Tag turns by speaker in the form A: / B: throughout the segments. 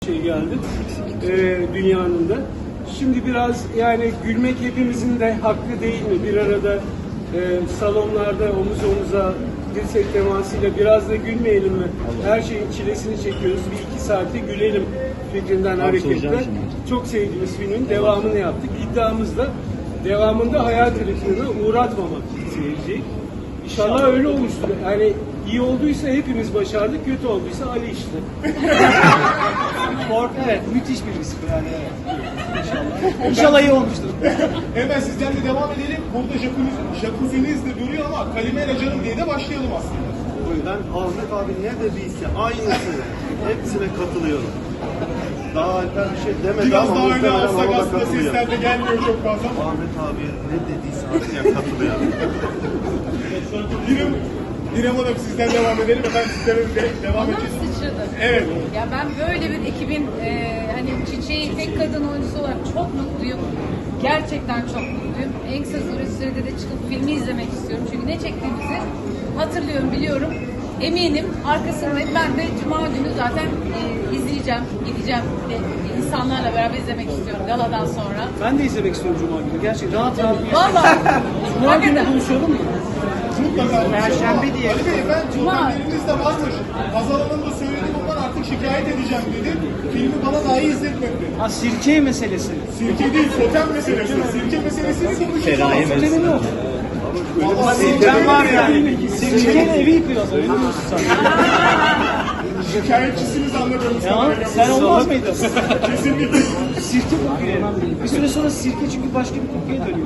A: Geldi dünyanın da. Şimdi biraz yani gülmek hepimizin de hakkı değil mi? Bir arada salonlarda omuz omuza dirsek temasıyla biraz da gülmeyelim mi? Her şeyin çilesini çekiyoruz. Bir iki saatte gülelim fikrinden hareketle. Çok sevdiğimiz filmin devamını yaptık. İddiamız da devamında hayal kırıklığına uğratmamak seyirciyi. İnşallah öyle olmuştur. Yani iyi olduysa hepimiz başardık, kötü olduysa Ali işte.
B: Evet, müthiş bir risk yani. İnşallah. İnşallah iyi olmuştur.
C: Hemen sizden de devam edelim. Burada jacuzzi'niz de duruyor ama Kalimera canım diye de başlayalım aslında.
D: O yüzden Ahmet abi ne dediyse aynısı. Hepsine katılıyorum. Daha Alper bir şey demedi
C: Biraz
D: ama
C: daha öne
D: muhtemelen
C: alsak
D: ona da
C: aslında
D: katılıyor.
C: sesler de gelmiyor çok fazla ama.
D: Ahmet abi ne dediyse aynıya katılıyorum.
C: İrem Hanım sizden devam edelim. Efendim sizlere de devam
E: Bana mı
C: edeceğiz.
E: sıçradı?
C: Evet.
E: Ya ben böyle bir ekibin hani Çiçeği tek kadın oyuncusu olarak çok mutluyum. Gerçekten çok mutluyum. En kısa sürede de çıkıp filmi izlemek istiyorum. Çünkü ne çektiğimizi hatırlıyorum, biliyorum. Eminim arkasındayım. Ben de Cuma günü zaten izleyeceğim, gideceğim. İnsanlarla beraber izlemek istiyorum galadan sonra.
B: Ben de izlemek istiyorum Cuma günü. Gerçekten rahat rahat.
E: Vallahi.
B: Cuma günü
E: Hakikaten.
B: konuşalım mı?
C: Mutlaka.
B: Perşembe diye.
C: Ali Bey ben
E: Cuma.
C: problemleriniz de varmış. Hazal Hanım da söyledi bundan artık şikayet edeceğim dedi. Filmi bana dahi izletmedi.
B: Ha, sirke meselesi.
C: Sirke değil, totem meselesi. Sirke meselesini konuşacağız.
B: Totemin yok.
C: Vallahi
B: Sirken var yani. Sirkenin evi yıkıyor. Öyle diyorsun sen.
C: şikayetçisiniz anladığımız
B: Ya
C: kadarıyla.
B: sen olmaz mıydın?
C: Kesinlikle.
B: Sirke kokuyor. Bir süre sonra sirke çünkü başka bir kokuya dönüyor.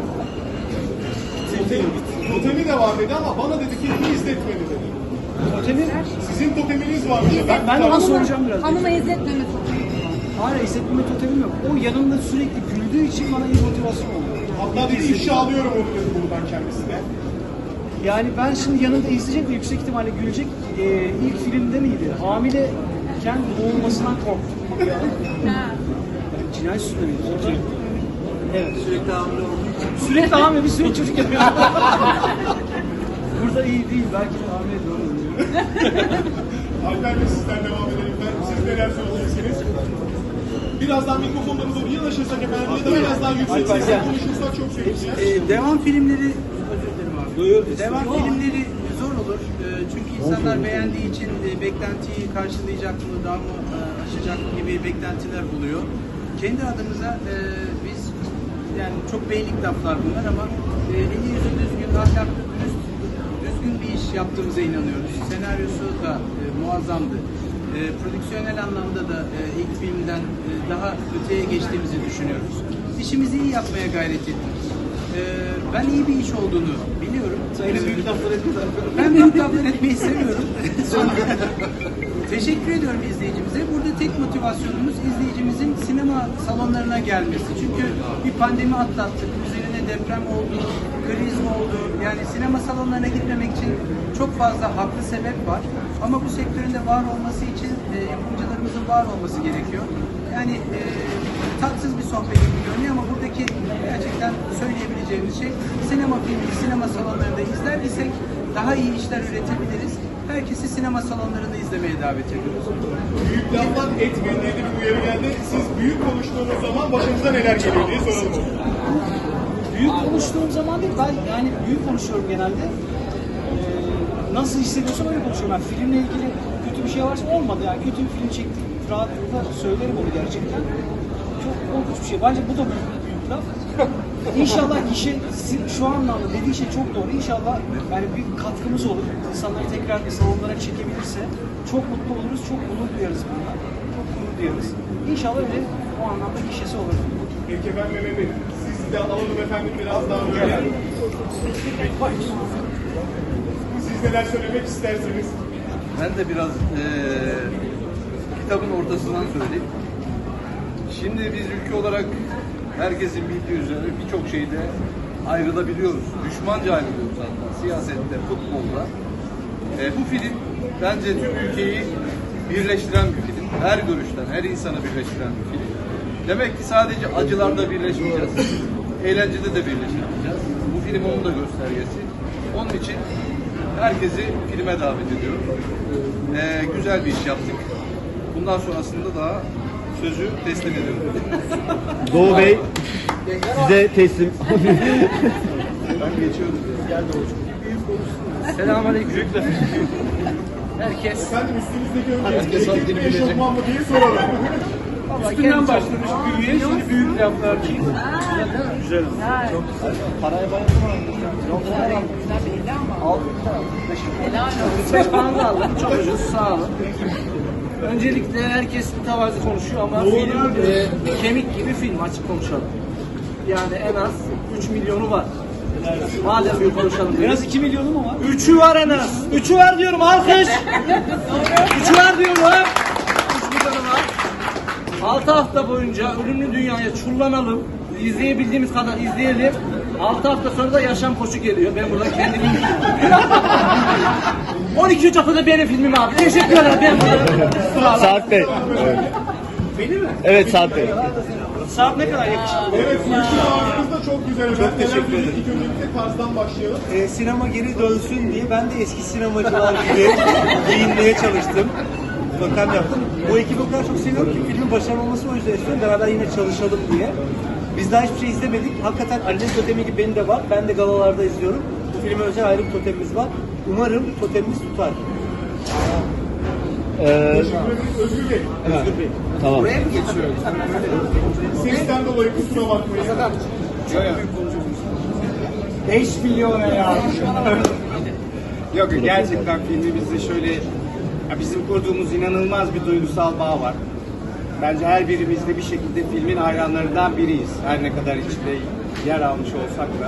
C: Totemi de var dedi ama bana dedi ki iyi izletmedi dedi.
B: Totemin,
C: Sizin toteminiz varmış.
B: ben de onu soracağım biraz.
E: Hanıma izletmeme
B: Hala hissetmeme totemim yok. O yanımda sürekli güldüğü için bana iyi motivasyon oluyor.
C: Hatta dedi ifşa alıyorum onu dedi buradan kendisine.
B: Yani ben şimdi yanında izleyecek ve yüksek ihtimalle gülecek. İlk filmde miydi? Hamileyken boğulmasından korktum.
E: Ha.
B: Cinayet süsünde miydi? Evet. Sürekli hamile olduğu için. Sürekli hamile, bir sürekli çocuk yapıyor. Burada iyi değil. Belki de hamile doğru oluyor.
C: Alper Bey sizden devam edelim. Siz neler söyleyeceksiniz? Birazdan mikrofonlarımıza bir yanaşırsak efendim ya da biraz daha yüksek sesle konuşursak çok sevineceğiz.
F: Devam filmleri, özür dilerim abi. Devam filmleri zor olur. Çünkü insanlar beğendiği için beklentiyi karşılayacak mı, daha mı aşacak mı gibi beklentiler buluyor. Kendi adımıza biz, yani çok beylik laflar bunlar ama eli yüzü düzgün, ahlaklı, düzgün bir iş yaptığımıza inanıyoruz. Senaryosu da muazzamdı. Prodüksiyonel anlamda da ilk filmden daha öteye geçtiğimizi düşünüyoruz. İşimizi iyi yapmaya gayret ettik. Ben iyi bir iş olduğunu biliyorum.
B: Büyük laflar ediyorlar.
F: Ben büyük laflar etmeyi seviyorum. Teşekkür ediyorum izleyicimize. Burada tek motivasyonumuz izleyicimizin sinema salonlarına gelmesi. Çünkü bir pandemi atlattık. Üzerine deprem oldu, kriz oldu. Yani sinema salonlarına gitmemek için çok fazla haklı sebep var. Ama bu sektörün de var olması için yapımcılarımızın var olması gerekiyor. Yani tatsız bir sohbet gibi görünüyor ama buradaki gerçekten söyleyebileceğimiz şey, sinema filmi, sinema salonlarında izler isek daha iyi işler üretebiliriz. Herkesi sinema salonlarında izlemeye davet ediyoruz.
C: Büyük laflar etmeyin diye de bir uyarı geldi. Siz büyük konuştuğunuz zaman başınıza neler geliyor diye soralım.
B: Büyük konuştuğum zaman değil, ben yani büyük konuşuyorum genelde. Nasıl hissediyorsam öyle konuşuyorum. Yani filmle ilgili kötü bir şey varsa olmadı. Yani kötü bir film çektik, rahatlıkla söylerim onu gerçekten. Çok korkunç bir şey. Bence bu da büyük laf. İnşallah kişi şu anlamda dediği şey çok doğru. İnşallah yani bir katkımız olur. İnsanları tekrar bir salonlara çekebilirse çok mutlu oluruz, çok onur duyarız bundan. Çok gurur duyarız. İnşallah öyle o anlamda kişisi olur.
C: Peki ben Mehmet Bey, siz de alalım efendim biraz daha böyle. Siz neler söylemek isterseniz.
G: Ben de biraz kitabın ortasından söyleyeyim. Şimdi biz ülke olarak herkesin bildiği üzere birçok şeyde ayrılabiliyoruz. Düşmanca ayrılıyoruz hatta. Siyasette, futbolda. Bu film bence tüm ülkeyi birleştiren bir film. Her görüşten, her insanı birleştiren bir film. Demek ki sadece acılarda birleşmeyeceğiz. Eğlencede de birleşmeyeceğiz. Bu film onun da göstergesi. Onun için herkesi filme davet ediyorum. Güzel bir iş yaptık. Bundan sonrasında daha sözü teslim ediyorum.
D: Doğu Bey size teslim.
G: Ben geçiyorum. Gel Doğucuğum.
A: Selamünaleyküm.
G: Herkes
C: Efendim üstünüzdeki önce
G: Herkes
C: erkek mi
G: haddini bilecek.
C: eşofman mı diye soralım.
A: Üstünden başlamış büyüye, şimdi büyük laflar değil.
E: Güzel. Çok güzel.
F: Paraya bayıldım ama.
E: Güzel belli ama.
F: Aldım.
E: Helal olsun.
F: 5 pound aldım. Çok ucuz. Sağ olun. Öncelikle herkes mütevazi konuşuyor ama film kemik gibi film, açık konuşalım. Yani en az 3 milyonu var. Madem bir konuşalım.
B: En az 2 milyonu mu var?
F: 3'ü var en az. 3'ü var diyorum, alkış. 3'ü var diyorum. 3 milyonu var. 6 hafta boyunca ölümlü dünyaya çullanalım. İzleyebildiğimiz kadar izleyelim. 6 hafta sonra da yaşam koçu geliyor. Ben burada kendimi 12. haftada benim filmim abi. Teşekkür ederim. Ben burada
D: Saat Bey. Evet.
B: Benim mi?
D: Evet Saat Bey.
B: Saat ne kadar yakışıklı?
C: Evet, sizin ağzınız da çok güzel. Çok
D: teşekkür ederim.
C: İlk öncelikle tarzdan başlayalım.
H: Sinema geri dönsün diye ben de eski sinemacılar gibi giyinmeye çalıştım. Totem yaptım. Bu ekibi o kadar çok seviyorum ki filmin başarılı olması o yüzden istiyorum. Beraber yine çalışalım diye. Biz daha hiçbir şey izlemedik. Hakikaten Ali'nin totemi gibi benim de var. Ben de galalarda izliyorum. Bu filme özel ayrı bir totemimiz var. Umarım totemimiz tutar.
C: Teşekkür ederiz. Özgür Bey.
H: Özgür Bey.
D: Tamam.
F: buraya mı geçiyoruz?
C: Sesten dolayı kusura bakmayın.
B: 5 milyon ya.
I: Yok gerçekten filmimizde şöyle ya bizim kurduğumuz inanılmaz bir duygusal bağ var. Bence her birimiz de bir şekilde filmin hayranlarından biriyiz. Her ne kadar içinde yer almış olsak da.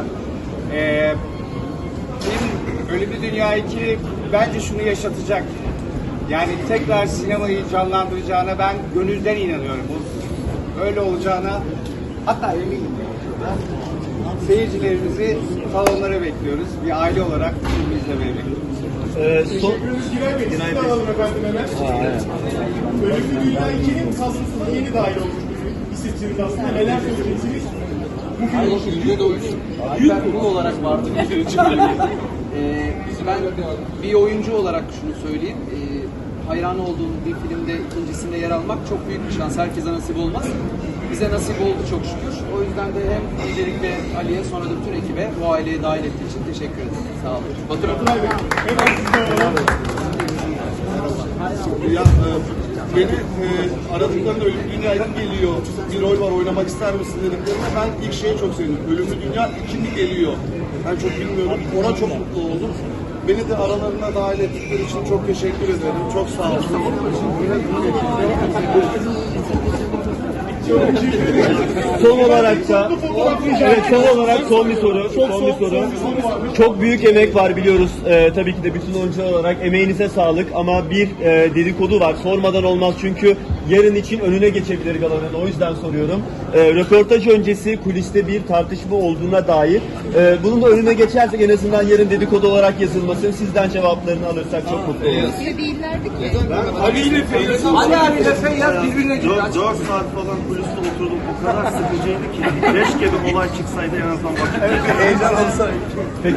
I: Film Ölümlü Dünya 2 bence şunu yaşatacak. Yani tekrar sinemayı canlandıracağına ben gönülden inanıyorum. Öyle olacağına hatta eminim. Seyircilerimizi salonlara bekliyoruz. Bir aile olarak film izlemeye bekliyoruz.
C: Teşekkürümüz Giray Bey. Sizi de alalım efendim hemen. Ölümlü Dünya 2'nin kadrosuna yeni dahil olmuş bir isimsiniz aslında. Neler söyleyeceksiniz?
F: Büyük konu olarak vardı. Ben bir oyuncu olarak şunu söyleyeyim. Hayran olduğum bir filmde ikincisinde yer almak çok büyük bir şans. Herkese nasip olmaz. Bize nasip oldu çok şükür. O yüzden de hem öncelikle Ali'ye sonra da bütün ekibe bu aileye dahil ettiği için teşekkür ederim. Sağ olun. Batur Hanım.
C: Giray Bey. Hemen sizi de alalım.
D: Ya, beni aradıklarında Ölümlü Dünya 2 geliyor, bir rol var oynamak ister misin dediklerinde ben ilk şeyi çok sevdim. Ölümlü Dünya 2 mi geliyor? Ben çok bilmiyorum. Ona çok mutlu oldum. Beni de aralarına dahil ettikleri için çok teşekkür ederim. Çok sağ olun. Son olarak da evet, son olarak son bir soru. Çok büyük emek var biliyoruz. Tabii ki de bütün oyuncular olarak emeğinize sağlık ama bir dedikodu var. Sormadan olmaz çünkü yarın için önüne geçebilir galanın. O yüzden soruyorum. Röportaj öncesi kuliste bir tartışma olduğuna dair. Bunun da önüne geçersek en azından yarın dedikodu olarak yazılmasın. Sizden cevaplarını alırsak çok mutlu oluruz.
E: Öyle değillerdi ki.
A: Ali ile Feyyaz
F: Ali abiyle Feyyaz birbirine gitti.
D: 4 saat falan kuliste oturdum. O kadar sıkıcıydı ki. Keşke bir olay çıksaydı en azından bakıp.
G: Heyecan olsa.